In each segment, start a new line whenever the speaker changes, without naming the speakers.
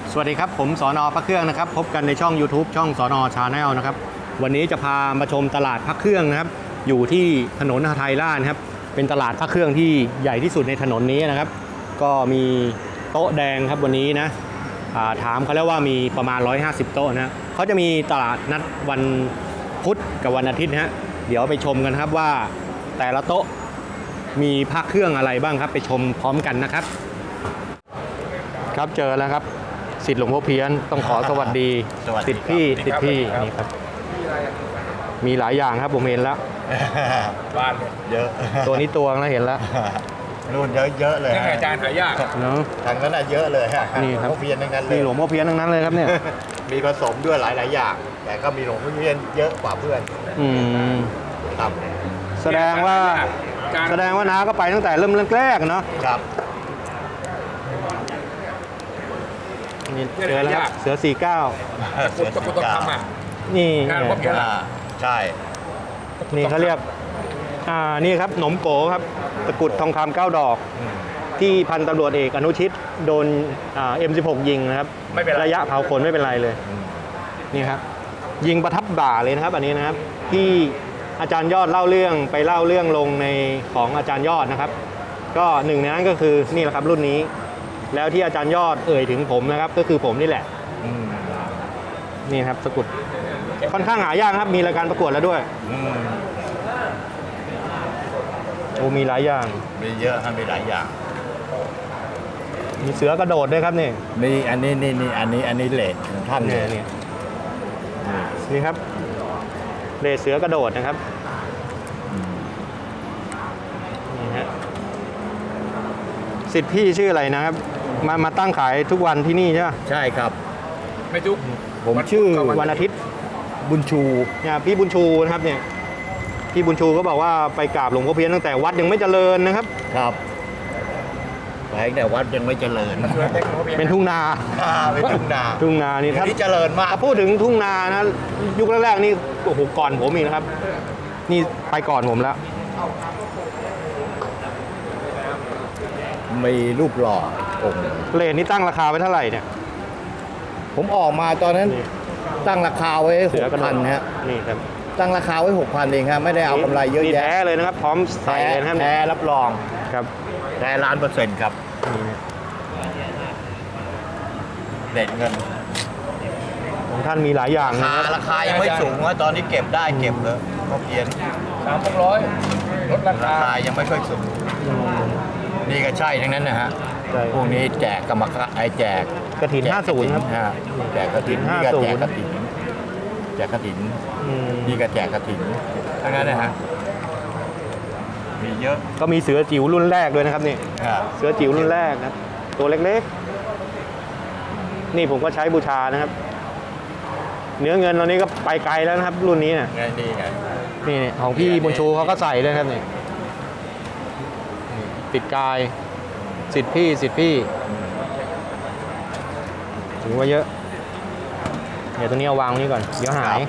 สวัสดีครับผมสน.พระเครื่องนะครับพบกันในช่อง YouTube ช่องสน.ชาแนลนะครับวันนี้จะพามาชมตลาดพระเครื่องนะครับอยู่ที่ถนนหทัยราชครับเป็นตลาดพระเครื่องที่ใหญ่ที่สุดในถนนนี้นะครับก็มีโต๊ะแดงครับวันนี้นะถามเขาแล้วว่ามีประมาณ150โต๊ะนะเขาจะมีตลาดนัดวันพุธกับวันอาทิตย์นะฮะเดี๋ยวไปชมกันครับว่าแต่ละโต๊ะมีพระเครื่องอะไรบ้างครับไปชมพร้อมกันนะครับครับเจอแล้วครับศิษย์หลวงพ่อเพี้ยนต้องขอสวัสดีศิษย์พี่นี่ครับมีหลายอย่างครับผมเห็นแล้ว
บ้านเยอะ
ตัวนี้ตัวแล้วเห็นแล้ว
รุ่นเยอะเลย
อาจารย์หายาก
เนาะ
ทางนั้นเยอะเลยฮะ
นี่ครับ
หลวงพ่อเพี้ยนทั้งนั้นเลย
นี่หลวงพ่อเพี้ยนทั้งนั้นเลยครับเนี่ย
มีผสมด้วยหลายอย่างแต่ก็มีหลวงพ่อเพี้ยนเยอะกว่าเพื่อนครับ
แสดงว่าน้าก็ไปตั้งแต่เริ่มแรกเนาะ
ครับ
นี่เจอแล้วครับเสือ49
เสือ49
นี่
ใช่
นี่เขาเรียกนี่ครับหนมโกครับตะกุดทองคำ9 ดอกที่พันตำรวจเอกอนุชิตโดนM16 ยิงนะครับระยะเผาขนไม่เป็นไรเลยนี่ครับยิงประทับบ่าเลยนะครับอันนี้นะครับที่อาจารย์ยอดเล่าเรื่องลงในของอาจารย์ยอดนะครับก็หนึ่งในนั้นก็คือนี่แหละครับรุ่นนี้แล้วที่อาจารย์ยอดเอ่ยถึงผมนะครับก็คือผมนี่แหละนี่ครับสกุลค่อนข้างหายากครับมีรายการประกวดแล้วด้วยโอ้มีหลายอย่าง
มีเยอะครับมีหลายอย่าง
มีเสือกระโดดด้วยครับนี่
มีอันนี้เลดของท่าน
นี่ครับเลดเสือกระโดดนะครับนี่ฮะศิษย์พี่ชื่ออะไรนะครับมาตั้งขายทุกวันที่นี่ใช่ไหม
ใช่ครับ
ไม่ทุก
ผมชื่อวันอาทิตย์
บุญชู
เนี่ยพี่บุญชูนะครับเนี่ยพี่บุญชูก็บอกว่าไปกราบหลวงพ่อเพี้ยนตั้งแต่วัดยังไม่เจริญนะครับ
ครับไปแต่วัดยังไม่เจริญ
เป็นทุ่งนา
เป็นทุ่งนา
นี่
ท่านเจริญมาก
พูดถึงทุ่งนานะยุคแรกๆนี่โอ้โหก่อนผมอีกนะครับนี่ไปก่อนผมแล้ว
มีรูปหล่อองค์
เลนนี่ตั้งราคาไว้เท่าไหร่เนี่ย
ผมออกมาตอนนั้นตั้งราคาไว้6,000ฮะ
นี่ครับ
ตั้งราคาไว้6,000เองครับไม่ได้เอากำไรเยอะแยะ
แท้เลยนะครับพร้อมใส่เลยนะครับ
แท้รับรอง
ครับ
แท้1,000,000%ครับเด็ดเงิน
ของท่านมีหลายอย่างนะ
ราคายังไม่สูงว่าตอนนี้เก็บได้เก็บเลยก็เพียน
300ลดราคา
ยังไม่ค่อยสูงนี่ก็ใช่ทั้งนั้นนะฮะพวกนี้แจกกรรมการแจก
กฐิน50ครับ
แจกกฐินนี่ก็แจกกฐินนี่ก็แจกกฐินทั้งนั้นนะฮะมีเยอะ
ก็มีเสือจิ๋วรุ่นแรกด้วยนะครับนี่เสือจิ๋วรุ่นแรกนะตัวเล็กๆนี่ผมก็ใช้บูชานะครับเนื้อเงินตอนนี้ก็ไปไกลแล้วนะครับรุ่นนี้นะนี่ของพี่บุญชูเขาก็ใส่ด้วยครับนี่ติดกายศิษย์พี่ถือว่าเยอะเดี๋ยวตัวนี้เอาวางนี้ก่อนเดี๋ยวหาย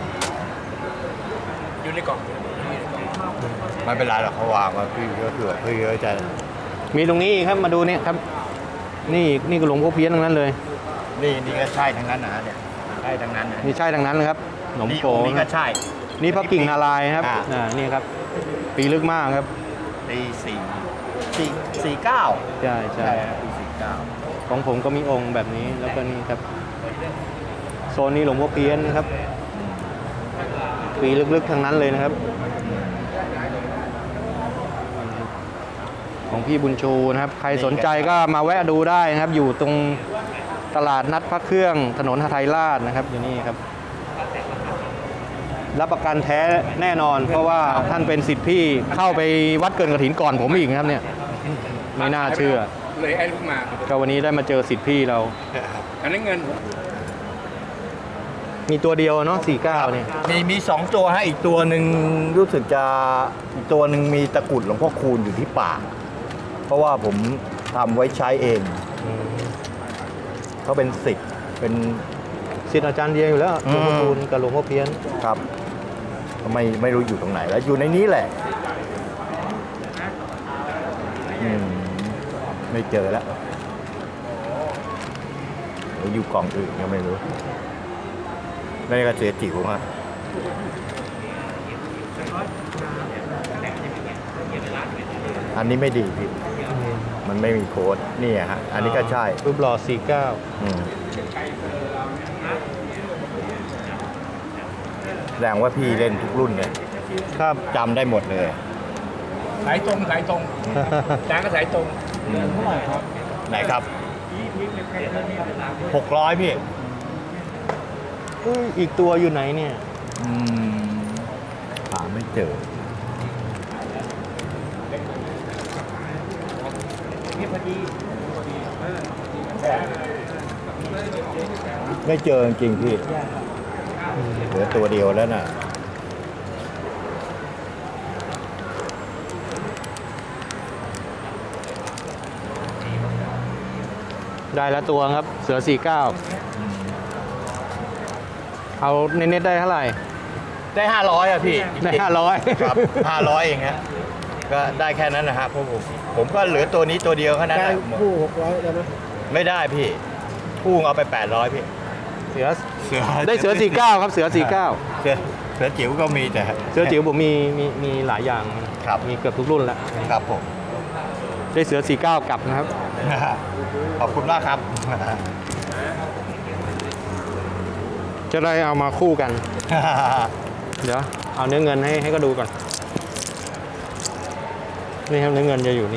อยู่ในกล่อง
ไม่เป็นไรหรอกเขาวางมาพี่ก็เผื่อพี่ก็จะ
มีตรงนี้ครับมาดูเนี่ยครับนี่ก็หลวงพ่อเพี้ยนทั้งนั้นเลย
นี่ก็ใช่ทั้งนั้นนะเนี่ยใช่ทั้งนั้น
นี่ใช่ทั้งนั้นเลยครับหนมโก
นี่ก็ใช่
นี่พระกิ่งนารายณ์ครับนี่ครับปีลึกมากครับ
ปี49
ใช่
ปี49
ของผมก็มีองค์แบบนี้แล้วก็นี่ครับโซนนี้หลวงพ่อเพี้ยนครับปีลึกๆทั้งนั้นเลยนะครับของพี่บุญชูนะครับใครสนใจก็มาแวะดูได้นะครับอยู่ตรงตลาดนัดพระเครื่องถนนหทัยราชนะครับอยู่นี่ครับรับประกันแท้แน่นอนเพราะว่าท่านเป็นศิษย์พี่เข้าไปวัดเกินกฐินก่อนผมอีกครับเนี่ยไม่น่าเชื่อ
เลยไอ้ลูกมา
ก็วันนี้ได้มาเจอศิษย์พี่เรา
อันนี้เงิน
มีตัวเดียวเนาะ49เนี่ย
มี2ตัวฮะอีกตัวหนึ่งรู้สึกจะอีกตัวหนึ่งมีตะกุดหลวงพ่อคูณอยู่ที่ปากเพราะว่าผมทำไว้ใช้เองเขาเป็นศิษย์
อาจารย์เดียอยู่แล้วหลวงพ่อคูณกับหลวงพ่อเพี้ยน
ครับไม่รู้อยู่ตรงไหนแล้วอยู่ในนี้แหละไม่เจอแล้วรืออยู่กล่องอื่นก็ไม่รู้นี่ก็เสือจิ๋วฮะอันนี้ไม่ดีพี่มันไม่มีโค้ดนี่ฮะอันนี้ก็ใช่
รูปหล่อ49
แสดงว่าพี่เล่นทุกรุ่นเนี่ย
ครับ
จำได้หมดเลย
สายตรงจานก็สายตรง
ไหนครับ600พี่
อีกตัวอยู่ไหนเนี่ย
หาไม่เจอไม่เจอจริงๆพี่เหลือตัวเดียวแล้วน่ะ
ได้แล้วตัวครับเสือ49เอาเน็ตๆได้เท่าไหร่
ได้500อ่ะพี่
ได้500
ครับ500เองฮะก็ได้แค่นั้นนะฮะเพราะผมก็เหลือตัวนี้ตัวเดียวแค่นั้น
ได้
แหละ
คู่600ได้ไหม
ไม่ได้พี่พุ่งเอาไป800พี่
เสือได้เสือ49ครับเสือ49
เสือจิ๋วก็มีแต่
เสือจิ๋วผมมีหลายอย่าง
ครับ
มีเกือบทุกรุ่นแล้ว
ครับผม
ได้เสือ49กลับนะครับ
ขอบคุณมากครับ
จะได้เอามาคู่กัน เดี๋ยวเอาเนื้อเงินให้ก็ดูก่อนนี่ครับเนื้อเงินจะอยู่นี่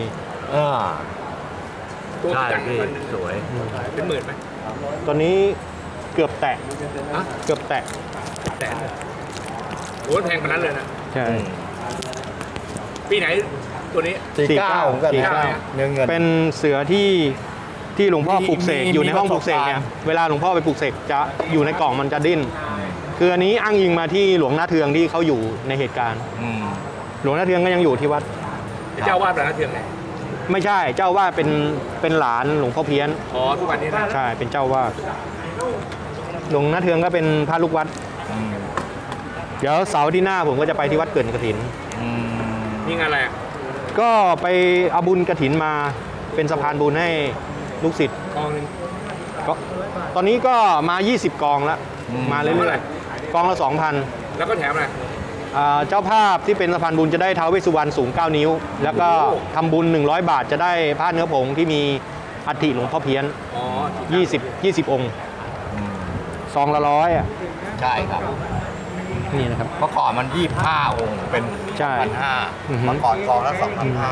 ตัว
ใช่
จัง
พี่สวย
เป็นหมื่นไหม
ตัวนี้เกือบแตะ
ฮะ
เกือบแตะ
แต่โอ้แพงขนาดนั้นเลยนะ
ใช่
ปีไหนตัวนี้
49ผมก็
49
เนื้อเงิน
เป็นเสือที่หลวงพ่อปลูกเสก
มี
อยู่ในห้องปลูกเสก
ประสบการณ์
เนี่ยเวลาหลวงพ่อไปปลูกเสกจะอยู่ในกล่องมันจะดิ้นคืออันนี้อ้างอิงมาที่หลวงนาเทืองที่เขาอยู่ในเหตุการณ์ หลวงนาเทืองก็ยังอยู่ที่วัด
เจ้าวาดพระนเทืองไหน
ไม่ใช่เจ้าว่าเป็นหลานหลวงพ่อเพี้ยน
อ๋อทุกวันนี้นะ
ใช่เป็นเจ้าว่าหลวงนาเทืองก็เป็นพระลูกวัด เดี๋ยวเสาร์ที่หน้าผมก็จะไปที่วัดเกิดกฐิน
นี่งานอะไรอ่ะ
ก็ไปเอาบุญกฐินมาเป็นสะพานบุญให้ลูกศิษย์
กองหนึง
ก็ตอนนี้ก็มา 20 กองแล้วมาเรื่อยๆกองละ 2,000
แล้วก็แถมอะไร
เจ้าภาพที่เป็นสะพานบุญจะได้ท้าวเวสสุวรรณสูง 9 นิ้ว แล้วก็ทำบุญ100 บาทจะได้ผ้าเนื้อผงที่มีอัฐิหลวงพ่อเพี้ยน
อ๋อ
20 องค์ซองละ100อ่ะ
ใช่ครับ
นี่นะครับ
เมื่อก่อนมัน25องค์เป็น
ใช่ อือฮึ
2,500เมื่อก่อนกองละ2,500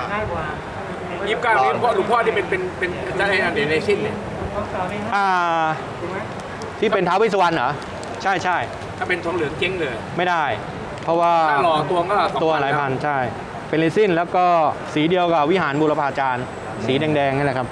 29นี่หลวงพ่อที่เป็นอะไรอันเดนชินเนี่ย
ที่เป็นท้าวเวสสุวรรณเหรอใช่ใช่
ถ้าเป็นทองเหลืองเจ๊งเลย
ไม่ได้ เพราะว่า
ถ้าหล่อตัวก็2,000
ตัวหลายพันใช่ เป็นเรซินแล้วก็สีเดียวกับวิหารบูรพาจารย์ สีแดงๆนี่แหละครับ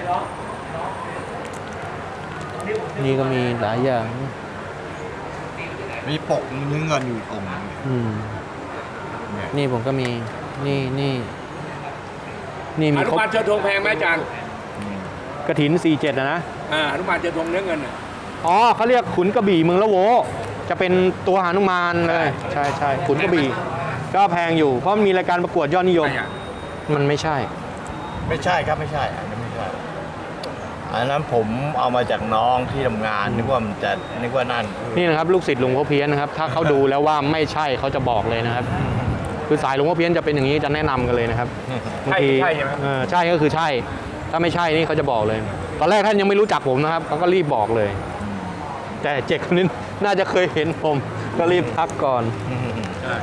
นี่ก็มีหลายอย่าง
มีปกเนื้อเงินอยู่อีกองค์หนึ่ง เนี่ย
นี่ผมก็มีนี่มี
หนุ
ครบ
มานเชิญธงแพงไหมอาจารย์
กฐิน 47นะ
หนุมานเชิญธงเนื้อเงินน่ะ
อ๋อเขาเรียกขุนกระบี่เมืองละโว จะเป็นตัวหานุมานเลย ใช่ใช่ขุนกระบี่ก็แพงอยู่เพราะมีรายการประกวดยอดนิยม
ไม่อะ
มันไม่ใช่
ไม่ใช่ครับไม่ใช่อันนั้นไม่ใช่อันนั้นผมเอามาจากน้องที่ทำงานนึกว่านั่น
นี่นะครับลูกศิษย์หลวงพ่อเพี้ยนนะครับ ถ้าเขาดูแล้วว่าไม่ใช่เขาจะบอกเลยนะครับ คือสายหลวงพ่อเพี้ยนจะเป็นอย่างนี้จะแนะนำกันเลยนะครับบางที
ใช่ใช่ไหม
ใช่ก็คือใช่ ถ้าไม่ใช่นี่เขาจะบอกเลย ตอนแรกท่านยังไม่รู้จักผมนะครับเขาก็รีบบอกเลย แต่เจ็กคนนี้น่าจะเคยเห็นผมก็รีบทักก่อน
ใช่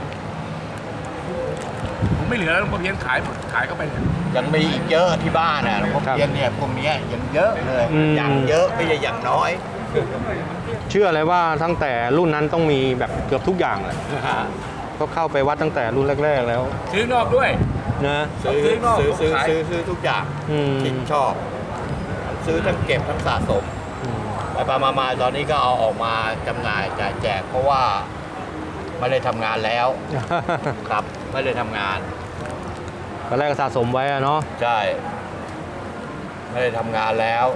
ผมไม่เหลือแล้วหลวงพ่อเพี้ยนขายเข้าไปเนี่ย
ยังมีอีกเยอะที่บ้านน่ะหลวงพ่อ
ครับ
เพี้ยนเนี่ยพวกเนี้ยยังเยอะเลย
อืม
อย่างเยอะไม่ใช่อย่างน้อย
เชื่อเลยว่าตั้งแต่รุ่นนั้นต้องมีแบบเกือบทุกอย่างเลยก็เข้าไปวัดตั้งแต่รุ่นแรกๆแล้ว
ซื้อนอกด้วย
นะ
ซื้อนอก
ซื้อ
ซื้อทุกอย่าง
อืม
ที่ชอบ ซื้อทั้งเก็บทั้งสะสมไปมาตอนนี้ก็เอาออกมาจำหน่ายจ่ายแจกเพราะว่าไม่ได้ทำงานแล้วครับไม่ได้ทำงาน
ตอนแรกก็สะสมไว้อะเนาะ
ใช่ ไม่ได้ทำงานแล้ว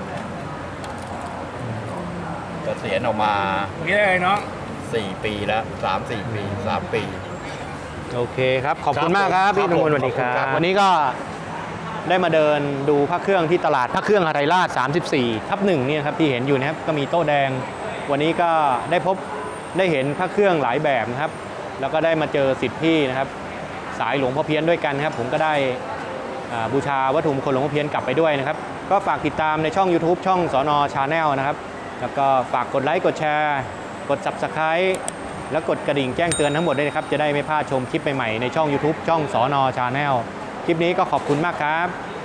เกษียณออกมา
นี่ได้เลยน้อง
4 ปีแล้ว3-4 ปี3 ปี
โอเคครับ ขอบคุณ
ครับ
มากครับ
ผม
พี่
ครับ
นงมลสวัสดีค
ขอบคุณครั
รับบ วันนี้ก็ได้มาเดินดูพระเครื่องที่ตลาดพระเครื่องหทัยราช 34/1เนี่ยครับที่เห็นอยู่นะครับก็มีโต๊ะแดงวันนี้ก็ได้เห็นพระเครื่องหลายแบบนะครับแล้วก็ได้มาเจอศิษย์พี่นะครับสายหลวงพ่อเพี้ยนด้วยกันครับผมก็ได้บูชาวัตถุมงคลหลวงพ่อเพี้ยนกลับไปด้วยนะครับก็ฝากติดตามในช่อง YouTube ช่องสน.ชาแนลนะครับแล้วก็ฝากกดไลค์กดแชร์กด Subscribe แล้วกดกระดิ่งแจ้งเตือนทั้งหมดด้วยนะครับจะได้ไม่พลาดชมคลิปใหม่ๆในช่อง YouTube ช่องสน.ชาแนลคลิปนี้ก็ขอบคุณมากครับ